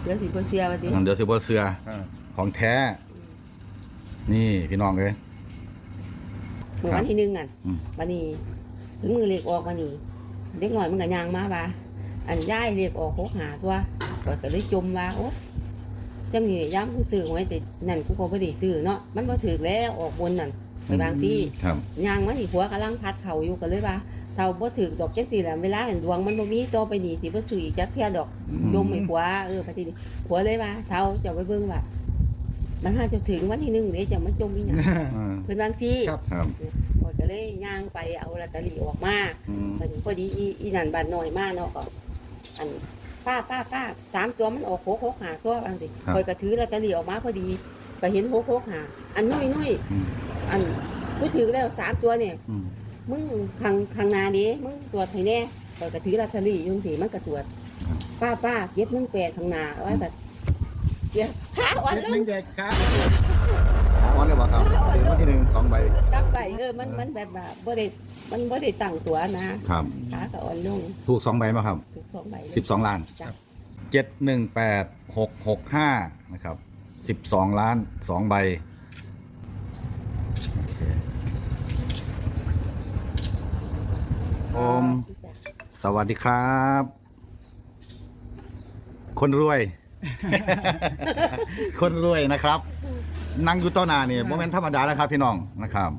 ดี๋ยวสิบ่เสียว่าติเดี๋ยวสิบ่เสือของแท้นี่พี่น้องเอ้ยเมื่อวันที่หนึ่งอ่ะอืมวันนี้ถึงมือเลขออกวันนี้เด็กหน่อยมันก็ย่างมาว่าอันย้ายเลขออก6 5ตัวก็เลยจมว่าโอ้จังนี่ย้ำกูซื้อไว้แต่นั่นกูก็บ่ได้ซื้อเนาะมันบ่ถูกแล้วออกบนนั่นไปบางที่ครับย่างมานี่หัวกำลังพัดเข่าอยู่ก็เลยว่าเท่าบ่ถูกดอกจังซี่แหละเวลาเห็นดวงมันบ่มีต่อไปนี่สิบ่ซื้ออีกจักเที่ยดอกยมให้ผัวพอดีนี่ผัวเลยว่าเท่าจะไปเบิ่งว่ามันหาจะถึงวันที่1เด้จะมันจมอีหยังเพิ่นบางซี่ครับครับก็เลยย่างไปเอาลอตเตอรี่ออกมาอืมพอดีอีนั่นบาดน้อยมากเนาะก็อันป้า3ตัวมันออก6 5ตัวบางสิคอยก็ถือลอตเตอรี่ออกมาพอดีก็เห็น6 5อันนุ่ยอืมอันกูถือแล้ว3ตัวเนี่ยอืมมึงข้างหน้าดิมึงตรวจให้แน่คอยก็ถือลอตเตอรี่อยู่สิมันก็ตรวจป้าเก็บ18ข้างหน้าว่าแต่เดี๋ยวขาอ่อนลหนึ่งงแดกครับหาออนเลยบ่ครับถึงวันที่2 ใบกลับไปมันแบบว่าบ่ได้มันบ่ได้ตั้งตัวนะครับ ขาก็อ่อนลงถูก2 ใบมาครับถูก2 ใบเลย 12 ล้านจ้ะ 718665นะครับ12 ล้าน2 ใบโอมสวัสดีครับ คนรวย คนรวยนะครับ นั่งอยู่ต้นนาเนี่ยโมเมนต์ธรรมดานะครับพี่น้องนะครับ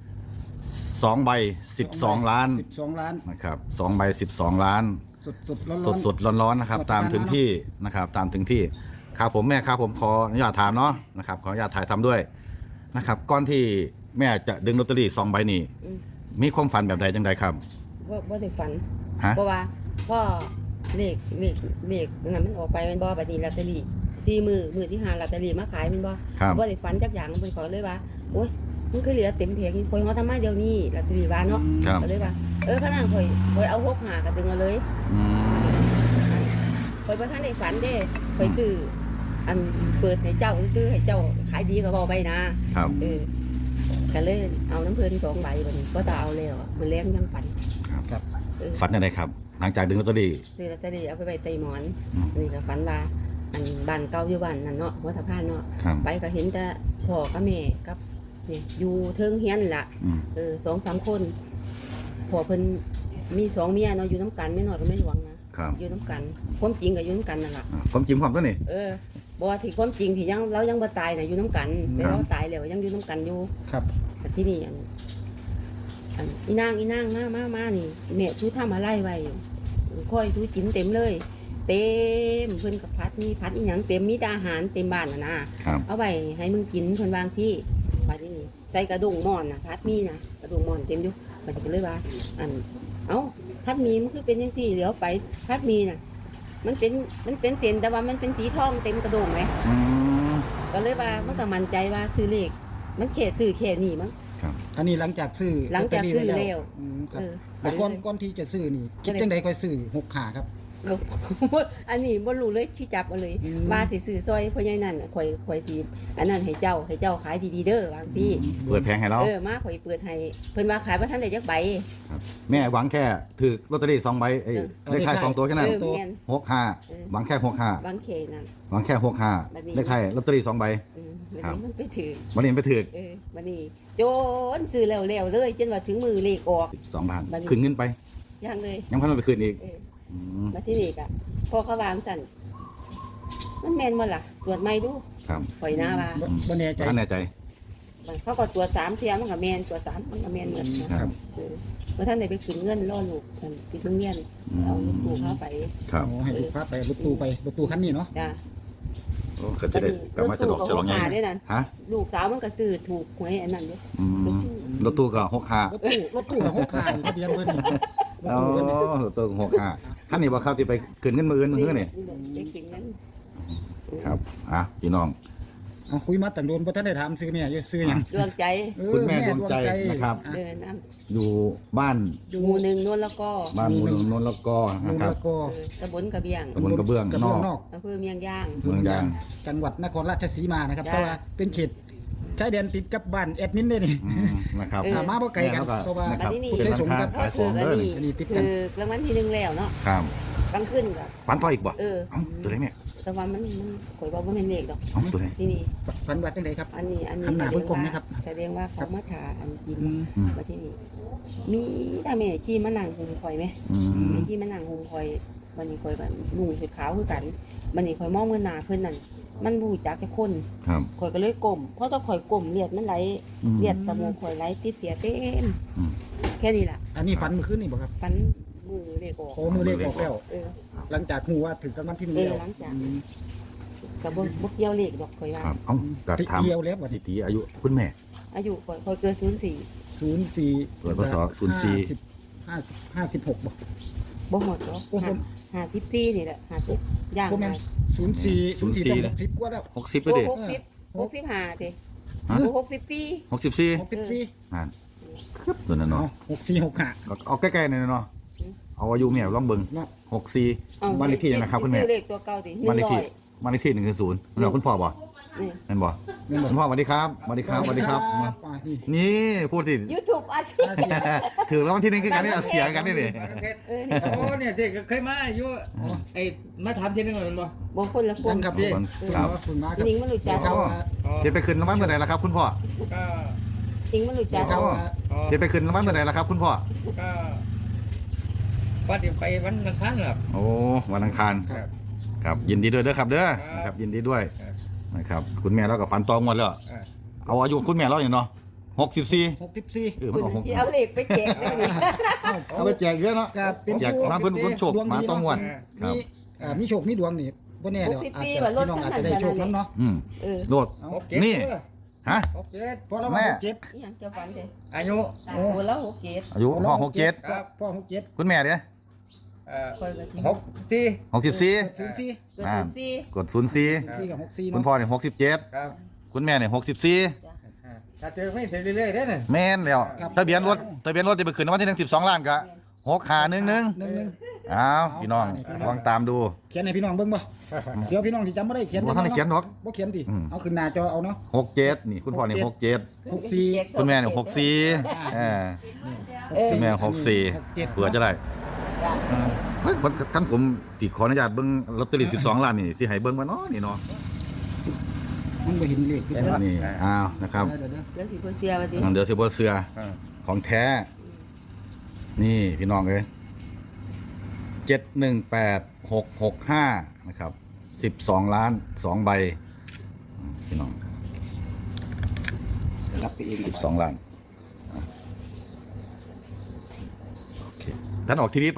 2 ใบ12 ล้าน 12 ล้านนะครับ2 ใบ12 ล้านสดๆร้อนๆสดๆร้อนๆนะครับ ตามถึงที่นะครับ ตามถึงที่ครับผมแม่ครับผมขออนุญาตถามเนาะนะครับขออนุญาตถ่ายทำด้วยนะครับก่อนที่แม่จะดึงลอตเตอรี่2 ใบนี้อืมมีความฝันแบบใดจังใดครับบ่ได้ฝันฮะเพราะว่าพ่อเลขนั้นมันออกไปแมันบ่บัดนี้ลอตเตอรี่4มื้อที่5ลอตเตอรี่มาขายแมันบ่ครับบ่ได้ฝันจักอย่างเพิ่นก็เลยว่าโอ๊ยมันคือเหลือเต็มแผงนี่ข่อยเอาทำมาเดี๋ยวนี้ลอตเตอรี่ว่าเนาะครับก็เลยว่าขนาดข่อยเอา6 5ก็ดึงเอาเลยอืมข่อยบ่ทันได้ฝันเด้ข่อยซื้ออันเปิดให้เจ้าซื้อให้เจ้าขายดีก็บ่ไปนะครับ ก็เลยเอาน้ำเพิ่น2 ใบบัดนี้ก็ตาเอาแล้วอะมื้อแลงยังฝันครับฝันยังไงครับ หลังจากดึงลอตเตอรี่ซื้อลอตเตอรี่เอาไปไว้ใต้หมอนอืมอันนี้ก็ฝันว่าอันบ้านเก่าอยู่บ้านนั่นเนาะหัวสะพานเนาะครับไปก็เห็นแต่พ่อกับแม่กับเนี่ยอยู่เทิงเฮียนล่ะอืม 2-3 คนพ่อเพิ่นมี2 เมียเนาะอยู่น้ำกันไม่น้อยก็ไม่หลวงนะครับ อยู่น้ำกันความจริงก็อยู่น้ำกันนั่นล่ะความจริงความตัวนี่บ่ว่าที่ความจริงที่ยังเรายังบ่ตายน่ะอยู่น้ำกันแต่เราตายแล้วยังอยู่น้ำกันอยู่ครับแต่ที่นี่อันอีนางมานี่แม่ชูทำอะไรไว้ค่อยชูกินเต็มเลย เต็มเพิ่นกับพัดมีพัดอีหยังเต็มมีแต่อาหารเต็มบ้านนะครับ เอาไว้ให้มึงกินเพิ่นวางที่บัดนี้ใส่กระดงหม้อนน่ะพัดมีนะกระดงหม้อนเต็มอยู่บัดนี้ก็เลยว่าอันเอ้าพัดมีมันคือเป็นจังซี่เดี๋ยวไปพัดมีน่ะมันเป็นเส้นแต่ว่ามันเป็นสีทองเต็มกระดงไหมอืมก็เลยว่ามันก็มั่นใจว่าซื้อเลขมันเขตซื้อเขตนี่มั้งอันนี้หลังจากซื้อหลังจากซื้อลตเตแล้วอืมครับฝัแล้วนก่อนเลยก่อนที่จะซื้อนี่คิดจังใดค่อยซื้อ6ขาครับอันนี้บ่รู้เลยที่จับเอาเลยอืมว่าสิซื้อซอยพ่อใหญ่นั่นน่ะข่อยสิอันนั้นให้เจ้าขายดีๆเด้อบางทีเปิดแพงให้เรามาข่อยเปิดให้เพิ่นว่าขายบ่ทันได้จักใบแม่หวังแค่ถือลอตเตอรี่2 ใบไอ้เออเลขท้าย2 ตัวแค่นั้นแม่น 65หวังแค่65 บางเขตนั่นหวังแค่บัดนี้ 65เลขท้ายลอตเตอรี่2 ใบวันครับนี้มันไปถือวันนี้ไปถือวันนี้โจนซื้อแล้วเลยจนว่าถึงมือเลขออก 2 บาทบัดนี้คืนเงินไปยังเลยยังพันไปคืนอีกเอออืมมาที่นี่ก็พอเขาวางสั่นมันแม่นบ่ล่ะตรวจใหม่ดูครับข่อยหน้าว่าบ่แน่ใจท่านแน่ใจเขาก็ตรวจ3เที่ยมันก็แม่นตรวจ3มันก็แม่นเหมือนนะครับเพราะท่านได้ไปขึ้นเงินล่อลูกท่านติดโรงเรียนเอาลูกปู่เข้าไปครับโอ้ให้ลูกค้าไปรถตู้คันนี้เนาะจ้ะโอ้ก็จะได้กลับมาฉลองฉลองไงไงด้วยนั่นฮะลูกสาวมันก็ซื้อถูกหวยอันนั้นเด้อืมรถตู้ก็65 รถตู้กับ6ขาทะเบียนเพิ่นนี่รถอ๋อตู้เพิ่นนี่รถตู้65คันนี้บ่ครับที่ไปคืนเงินมื้ออื่นมื้อนี่ไปขึ้นเงินครับพี่น้องเอาคุยมาตั้งโดนบ่ทันได้ถามซื้อแม่อยู่ซื้อหยังดวงใจคุณแม่ดวงใจนะครับเดินน้อยู่บ้านำหมู่หนึ่งโน่นแล้วก็บ้านมูลนนท์แล้วก็ลุนะงครับแล้วก็ตำบลกระเบียงตำบลกระเบื้องกระนเบื้อองกนอกอำเภอเมียงย่างเมืองยางจังหวัดนครราชสีมานะครับจ้าเพราะว่าเป็นเขตชายแดนติดกับบ้านแอดมินเด้นี่นะครับเออมาบ่ไกลกันแม่เพราะว่านะครับอันนี้เป็นร้านค้าพ่อขายขถืออง อันเด้อนี้อันนี้ติดคืกันอรางวัลที่1แล้วเนาะครับกลางขึ้นก็ปันต่ออีกบ่เออเอ้าตัวไหนเนี่ยแต่ว่ามันข่อยว่าบ่แม่นเลขดอกเอาตัวไหนที่นี่ฝันว่าจังไดครับอันนี้หันหน้าเบิ่งกล้องนะครับแสดงว่าเขามาถาอันกินอืมมาที่นี่มีแต่แม่ขี้มานั่งหุมข่อยไหมอืมแม่ขี้มานั่งหุมข่อยวันนี้ข่อยก็นุ่งชุดขาวคือกันวันนี้ข่อยมองเงินหน้าเพิ่นนั่นมันบ่รู้จักแค่คนครับข่อยก็เลยก้มเพราะถ้าข่อยก้มเลือดมันไหลอืมเลือดตะมูกข่อยไหลติดเสียเต็มอืมแค่นี้ล่ะอันนี้ฝันเมื่อคืนนี่บ่ครับฟันมือเลขออกโอ้มือเลขออกแล้วเออหลังจากฮู้ว่าถึงรางวัลที่หนึ่งแล้วหลังจากอืมก็บ่เกี่ยวเลขดอกข่อยว่าครับเอากัดถามเกี่ยวแล้วว่าจิตีอายุคุณแม่อายุข่อยเกิด04 04 เกิดพศ04 56บ่บ่หมดดอกโอ้โห 54นี่แหละ50ย่างบ่แม่นมา 04ต้อง60กว่าแล้ว 60ไปโอ้ดิ 65ติฮะโอ้64 64 64 นั่นครับตัวนั้นเนาะเนาะ 6465 เอาใกล้ๆหน่อยเนาะอืมเอาอายุแม่ลองเบิ่งเนาะ 64บ้านเลขที่ยังนะครับคุณแม่ซื้อเลขตัวเก่าติบ้านเลขที่บ้านเลขที่110นั่นคุณพ่อบ่นี่นั่นบ่แม่นบ่คุณพ่อสวัสดีครับสวัสดีครับสวัสดีครับนี่นี่พูดสิ YouTube อาชีพอาเซียนถือแล้ววันที่หนึ่งคือการที่เราเสียกันนี่ดิโอ้เนี่ยที่เคยมาอยู่ไอ้มาถามที่นึงหน่อยมันบ่บ่คนละคยันงครับพี่ครับขอบคุณมากครับนิงมันรู้จักครับจะไปขึ้นรางวัลเมื่อไหร่ล่ะครับคุณพ่อก็นิงมันรู้จักครับจะไปขึ้นรางวัลเมื่อไหร่ล่ะครับคุณพ่อก็ว่าเดี๋ยวไปวันอังคารหรอโอ้วันอังคารครับครับยินดีด้วยเด้อครับเด้อครับนะครับยินดีด้วยครับนะครับคุณแม่เรากับฟันตองหมดแล้ว เอาอายุคุณแม่เราอย่างเนาะ64 64 มันออกที่เอาเลขไปแจกได้นี่เอาไปแจกเยอะเนาะก็เป็นแจกมาเพิ่นคนโชคมาต้องงวดคมีรับมีโชคมีดวงนี่บ่แน่เดี๋ยวอาจจะพี่น้องอาจจะได้โชคนั้นเนาะอืมเออโลด นี่ ฮะ 67 เพราะเราแม่ว่า67 อีหยังจะฝันเด้อายุโอ้แล้ว67 อายุพ่อ67 ครับพ่อ67 คุณแม่เด้อ 64 64 04 เกิดอ่า 04 กด04 4กับ64 คุณเนาะพ่อเนี่ย67 ครับคุณแม่เนี่ย64 ถ้าเจอไม่เสร็จเรื่อยๆได้น่ะแม่นแล้วทะเบียนรถจะไปขึ้นรางวัลที่1 12ล้านก็6511 11 อ้าวพี่น้องลองตามดูเขียนให้พี่น้องเบิ่งบ่เดี๋ยวพี่น้องสิจำบ่ได้เขียนบ่ทันได้เขียนหรอกบ่เขียนติอืมเอาขึ้นหน้าจอเอาเนาะ 67นี่คุณพ่อเนี่ย67 64 คุณแม่เนี่ย64คุณแม่64เผื่อจะได้จ้ะเฮ้ยท่านผมติขออนุญาตเบิ่งลอตเตอรี่12ล้านนี่สิให้เบิ่งบ่เนาะนี่เนาะมันบ่เห็นเลขพี่น้องนี่อ้าวนะครับเดี๋ยวเรื่องสิบ่เสียว่าติเดี๋ยวสิบ่เสือของแท้ นี่พี่น้องเอ้ย718665นะครับ12ล้าน2ใบพี่น้องๆรับไปเอง 12ล้านโอเคท่านออกทีวีไป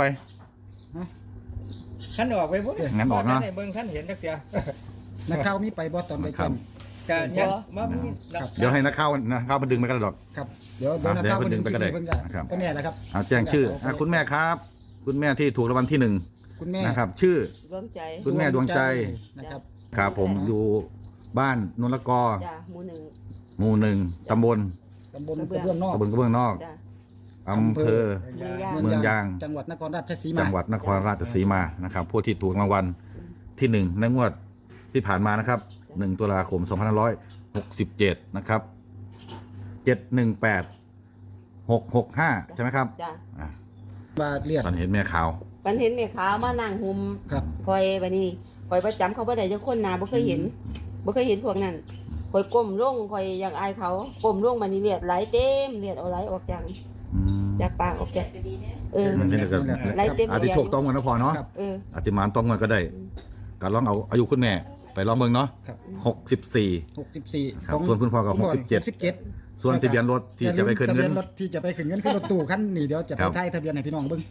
ขั้นออกไปพุ่นงั้นออกเนาะท่เบิ่งท่านเห็นจักเสียนักข่าวมีไปบ่ตอนไปครัเขียบนก็ยังบ่มีครับเดี๋ยวให้นักข่าวมาดึงไปกันดอกครับเดี๋ยวนักข่าวเดี๋ยวเพิ่นดึงไปก็ได้เพิ่นครับก็แน่แหละครับเอาแจ้งชื่อคุณแม่ครับ คุณแม่ที่ถูกรางวัลที่หนึ่งคุณแม่นะครับ ชื่อดวงใจคุณแม่ดวงใจนะครับครับผมอยู่บ้านนนละกอจ้ะหมู่หนึ่งหมู่หนึ่งตำบลตำบลกระเบื้องนอกตำบลกระเบื้องนอกจ้ะอำเภอ เมืองยางจังหวัดนครราชสีมาจังหวัดนครราชสีมานะครับผู้ที่ถูกรางวัลที่หนึ่งในงวดที่ผ่านมานะครับ1 ตุลาคม 2567 นะครับ 718665 ใช่ไหมครับจ้ะอ่ะบาเลียดตอนเห็นแม่ข่าวปันเห็นแม่ขาวมานั่งหุมครับคอยบัดนี้คอยประจำเขาบ่ได้จักคนหน้าบ่เคยเห็นบ่เคยเห็นพวกนั้นคอยก้มลงคอยอยากอายเขาก้มลงบัดนี้เลือดไหลเต็มเลือดเอาไหลออกจากปากออกจากเออมันเป็นก็ไล่เต็มอาจจะโชคต้องกันนะพอเนาะครับเอออาจจะหมานต้องกันก็ได้ก็ลองเอาอายุคุณแม่ไปลองเบิ่งเนาะครับ 64 64 ครับส่วนคุณพ่อก็67 67 ส่วนทะเบียนรถที่จะไปขึ้นเงินทะบียรถที่จะไปขึ้นเงินคือรถตู้คันนี้เดี๋ยวจะคไปรับไทยทะเบียนให้พี่น้องเบิ่ง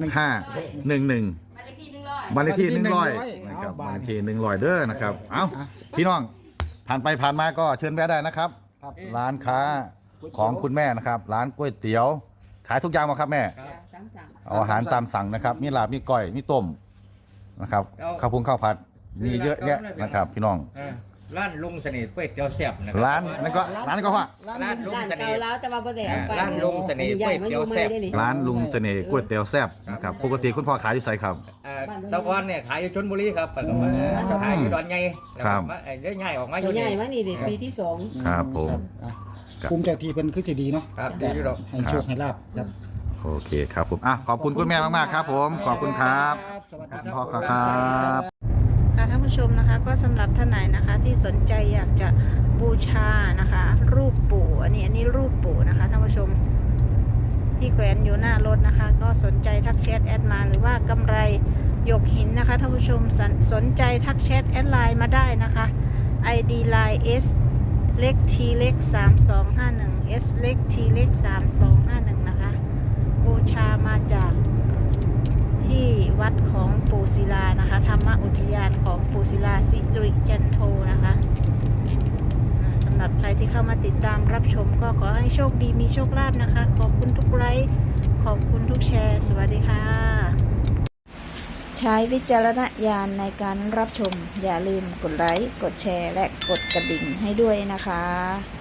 6511บ้านเลขที่100นะครับบ้านเลขที่100เด้อนะครับเอ้าพี่น้องผ่านไปผ่านมาก็เชิญแวะได้นะครับครับร้านค้าของคุณแม่นะครับ ร้านก๋วยเตี๋ยว ขายทุกอย่างมาครับแม่จ้ะตามสั่งเอาอาหารตามสั่งนะครับ มีลาบมีก้อยมีต้มนะครับข้าวพุงข้าวผัดมีเยอะแยะนะครับ พี่น้องร้านลุงสนิทก๋วยเตี๋ยวแซ่บนะคบร้านนั่นก็ร้านนั้นก็ว่าร้านลุงร้านสนิเก่าทแล้วแต่ว่าบ่ได้เอาไปร้านลุงเสน่ห์ก๋วยเตี๋ยวแซ่บร้านลุงเสน่ห์ก๋วยเตี๋ยวแซ่บนะครับปกติคุณพ่อขายที่ไสครับตะกอนเนี่ยขายอยู่ชลบุรีครับแต่ก็มาขายอยู่ดอนใหญ่แล้วครัก็บมาได้ง่ายออกมาอตัวยู่ใหญ่นี่มานี่ดิปีที่สองครับผมอ่ะครับภูมิเจ้าที่เพิ่นคือสิดีเนาะครับดีอยู่ดอกให้โชคให้ลาบครับโอเคครับผมอ่ะขอบคุณคุณแม่มากๆครับผมขอบคุณครับสวัสดีขอบคคุณรับพ่อครับค่ะท่านผู้ผู้ชมนะคะ ก็สำหรับท่านไหนนะคะที่สนใจอยากจะบูชานะคะ รูปปู่อันนี้รูปปู่นะคะท่านผู้ชมที่แขวนอยู่หน้ารถนะคะ ก็สนใจทักแชทแอดมาหรือว่ากำไรหยกหินนะคะท่านผู้ชมสนใจทักแชทแอดไลน์มาได้นะคะ ID line S เล็ก T เล็ก3251 S เล็ก T เล็ก3251นะคะบูชามาจากที่วัดของปู่ศิลานะคะธรรมอุทยานของปู่ศิลาสิริจันโทนะคะสำหรับใครที่เข้ามาติดตามรับชมก็ขอให้โชคดีมีโชคลาภนะคะขอบคุณทุกไลค์ขอบคุณทุกแชร์สวัสดีค่ะใช้วิจารณญาณในการรับชมอย่าลืมกดไลค์กดแชร์และกดกระดิ่งให้ด้วยนะคะ